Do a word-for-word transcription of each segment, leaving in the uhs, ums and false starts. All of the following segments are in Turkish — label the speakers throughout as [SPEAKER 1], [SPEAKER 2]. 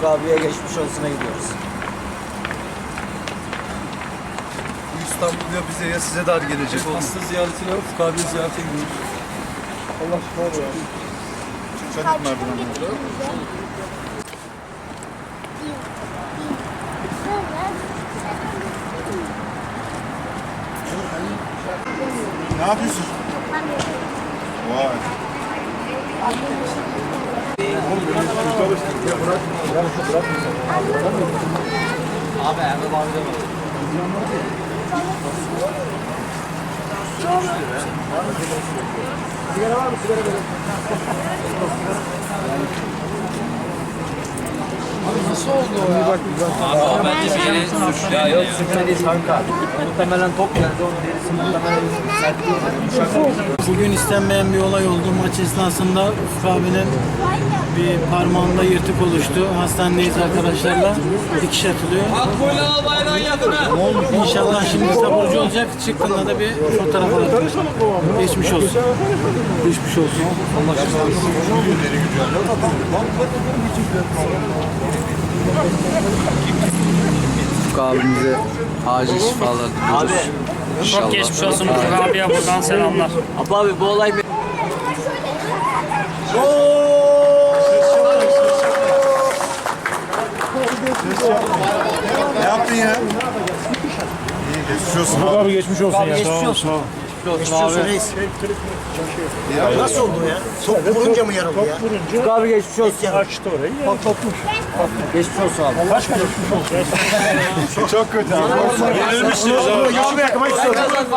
[SPEAKER 1] Ufuk abiye geçmiş olsuna gidiyoruz.
[SPEAKER 2] İstanbul ya bize ya size dar gelecek.
[SPEAKER 3] Hasta ziyaretine Ufuk abiye ziyarete gidiyoruz.
[SPEAKER 2] Allah şifa ver. Çocuk merdivenleri. Ne yapıyorsun? Vay.
[SPEAKER 1] Abi Erdem abi de var. Sigara var mı? Sigara verin.
[SPEAKER 3] Abi nasıl oldu o ya?
[SPEAKER 1] Abi bence bir yere suçlu. Ya yok sigara değil kanka. Muhtemelen top geldi onun derisi muhtemelen sert değil.
[SPEAKER 4] Bugün istenmeyen bir olay oldu. Maç esnasında Ufuk abinin bir parmağında yırtık oluştu. Hastanedeyiz arkadaşlarla. Dikiş atılıyor. İnşallah şimdi taburcu olacak. Çıktığında da bir fotoğraf alacak. Geçmiş olsun. Geçmiş olsun.
[SPEAKER 2] Allah şifa versin.
[SPEAKER 3] Ufuk abimize acil şifalar diliyoruz.
[SPEAKER 1] Abi.
[SPEAKER 3] İnşallah.
[SPEAKER 5] Çok geçmiş olsun Ufuk abiye buradan selamlar.
[SPEAKER 1] Abi, abi bu olay bir...
[SPEAKER 2] Ne yaptın ya? İyi geçmiş olsun.
[SPEAKER 4] Abi geçmiş olsun
[SPEAKER 1] Abi geçmiş olsun. Geçmiş olsun reis. Nasıl oldu ya? Top vurunca mı yarıldı ya? Ufuk abi geçmiş olsun.
[SPEAKER 4] Açtı orayı. Bak kopmuş.
[SPEAKER 1] Geçmiş olsun abi.
[SPEAKER 4] Kaç kere geçmiş olsun.
[SPEAKER 2] Çok kötü abi.
[SPEAKER 4] Yenilmişsiniz abi.
[SPEAKER 1] Yağmur yakmak istiyorum.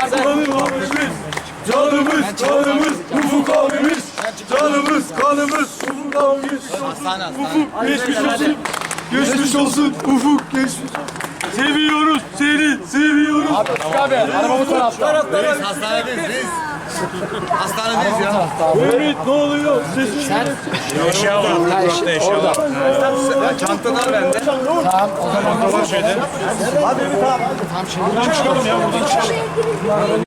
[SPEAKER 2] Canımız, canımız, Ufuk abimiz. Canımız, kanımız, Ufuk abimiz. Ufuk, geçmiş olsun. Geçmiş olsun, Ufuk, geçmiş. Seviyoruz seni, seviyoruz.
[SPEAKER 1] Abi arabamız tarafta.
[SPEAKER 2] Hastanedeyiz biz. Hastanedeyiz ya.
[SPEAKER 4] Ümit ne oluyor? Sesin.
[SPEAKER 5] Eşya var.
[SPEAKER 1] Orada.
[SPEAKER 2] Ya çantalar bende.
[SPEAKER 1] Tamam o zaman.
[SPEAKER 2] Hadi Ümit abi.
[SPEAKER 4] Buradan çıkalım ya buradan çıkalım.